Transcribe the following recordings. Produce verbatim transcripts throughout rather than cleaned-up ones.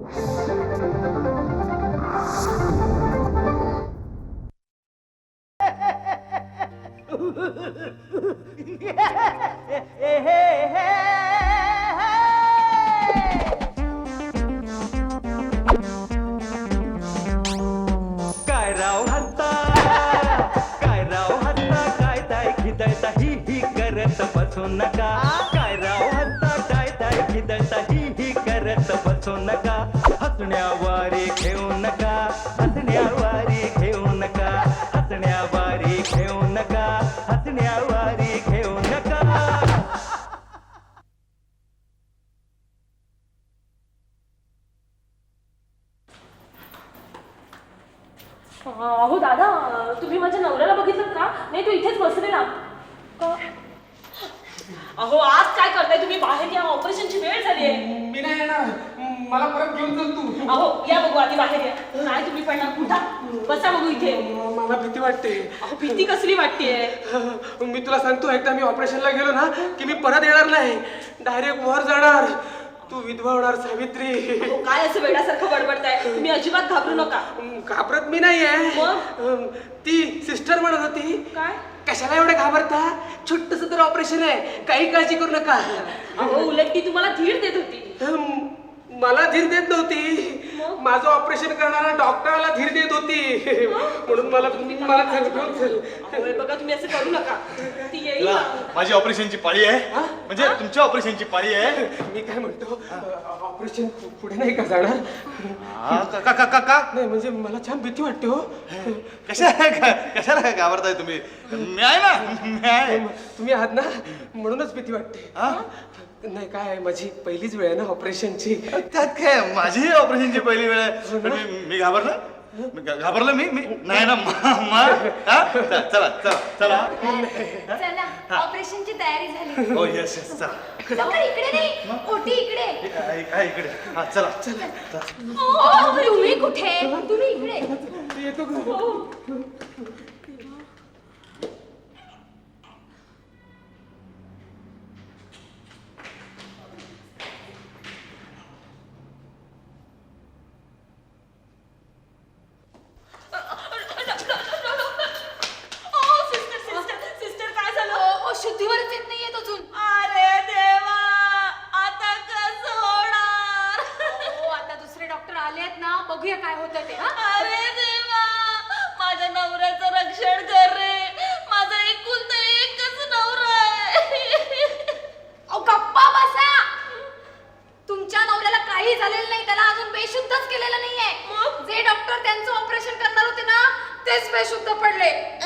काय राव हत्ता काय राव हत्ता काय ताय खिदळता ही ही करत बसू नका काय राव हत्ता काय ताय खिदळता ही ही करत बसू नका हसण्यावारे घेऊ नका हसण्यावारे घेऊ नका हसण्यावारे घेऊ नका हसण्यावारे घेऊ नका. अहो दादा, तुम्ही माझ्या नवऱ्याला बघितलं का? नाही, तो इथेच बसलेला. अहो आज काय करताय तुम्ही? बाहेर या, ऑपरेशनची वेळ झाली आहे. मी नाही येणार, मला परत घेऊन चल तू. अहो या बघू, आधी बाहेर या. नाही तुम्ही पण उठा, बसा बघू इथे. मला भीती वाटते. अहो भीती कसली वाटतेय? मी तुला सांगतो, एकदा मी ऑपरेशनला गेलो ना की मी परत येणार नाही, डायरेक्ट वर जाणार. तू विधवा होणार सावित्री. काय असं वेड्यासारखं बडबडताय? तुम्ही अजिबात घाबरू नका. घाबरत मी नाहीये. मग? ती सिस्टर म्हणत होती, काय कशाला एवढे घाबरता, छोटस तर ऑपरेशन आहे, काही काळजी करू नका. अहो उलट ती तुम्हाला धीर देत होती. मला धीर देत नव्हती, माझं ऑपरेशन करणारा डॉक्टरला धीर देत होती. म्हणून मला मला अहो, बघा तुम्ही असं करू नका. ती येईल चला, ना. माझी ऑपरेशनची पाळी आहे. म्हणजे तुमच्या ऑपरेशनची पाळी आहे. मी काय म्हणतो, ऑपरेशन पुढे नाही का जाणार? हा, का का का का नाही म्हणजे मला छान भीती वाटते हो. कशा कशाला घाबरताय तुम्ही? मी आहे ना, मी आहे. तुम्ही आहात ना, म्हणूनच भीती वाटते. हा? नाही काय, माझी पहिलीच वेळ आहे ना ऑपरेशनची. त्यात काय, माझी ऑपरेशनची पहिली वेळ आहे. पण मी मी घाबरलं मी घा- घाबरलं मी मी नाही ना मा- मा- हा? चला चला चला चला चला ऑपरेशनची तयारी झाली. हो येस येस चला. डॉक्टर इकडे नाही, ओटी इकडे. आहे- आहे इकडे. हा चला चला. ओ, तुम्ही कुठे? तुम्ही इकडे. येतो का? शुद्धीवरच येत नाहीये अजून. अरे देवा, आता कसं होणार? हो, आता दुसरे डॉक्टर आले आहेत ना, बघूया काय होतं ते. हा? अरे देवा, माझ्या नवऱ्याचं रक्षण कर रे. माझा एकुलता एकच नवरा आहे. अहो, गप्पा बसा. तुमच्या नवऱ्याला काही झालेलं नाही, त्याला अजून बेशुद्धच केलेलं नाहीये. मग? जे डॉक्टर त्यांचं ऑपरेशन करणार होते ना, तेच बेशुद्ध पडले.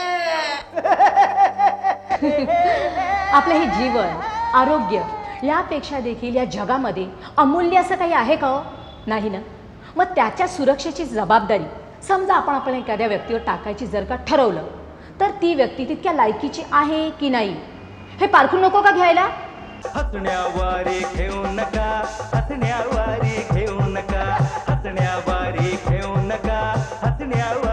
आपलं हे जीवन आरोग्य यापेक्षा देखील या जगामध्ये अमूल्य असं काही आहे का हो? नाही ना. मग त्याच्या सुरक्षेची जबाबदारी समजा आपण आपण एखाद्या व्यक्तीवर टाकायची जर का ठरवलं, तर ती व्यक्ती तितक्या लायकीची आहे की नाही हे पारखून नको का घ्यायला? हसण्यावारे घेऊ नका हसण्यावारे घेऊ नका हसण्यावारे घेऊ नका हसण्यावारे